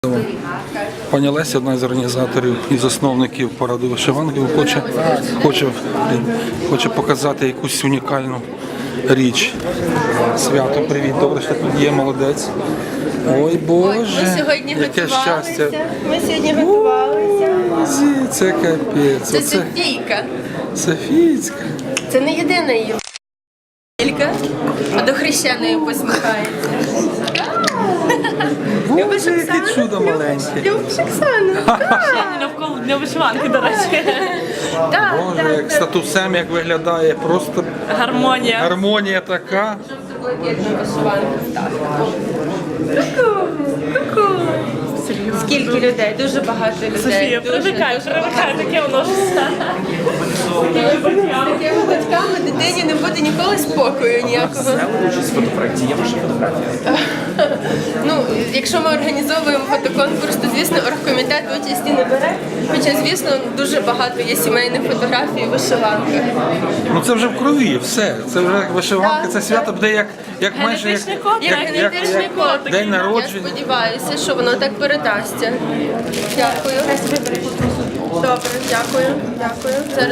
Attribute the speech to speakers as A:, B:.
A: Пані Леся, одна з організаторів і засновників параду вишиванки, хоче показати якусь унікальну річ. Свято, привіт, добре, що тут є, молодець. Ой, Боже,
B: ми сьогодні
A: яке щастя.
B: Ми сьогодні готувалися.
A: Це капець.
B: Це Софійка.
A: Софійська.
B: Це не єдина її тільки, а до хрещеної посміхається.
A: Боже, яке чудо маленьке.
B: Любиш Оксану?
C: Навколо дня вишиванки, до речі.
A: Боже, як статусем, як виглядає, просто
C: Гармонія.
A: гармонія така.
B: Блакитна вишиванка. Так. Ку-ку. Скільки людей? Дуже багато людей.
C: Софія,
B: Дуже,
C: привикай, таке воно ж.
B: з такими батьками дитині не буде ніколи спокою ніякого.
D: Участь в фотопроекті, є ваша фотографія?
B: Ну, якщо ми організовуємо фотоконкурс, то, звісно, оргкомітет участі не бере. Хоча, звісно, дуже багато є сімейних фотографій у вишиванках.
A: Ну це вже в крові, все. Це вже вишиванка, це свято буде як майже
C: Генетичний код,
B: Як генетичний код.
A: день
B: Я
A: народження.
B: сподіваюся, що воно так передасться. Дякую. Добре, дякую. Дякую.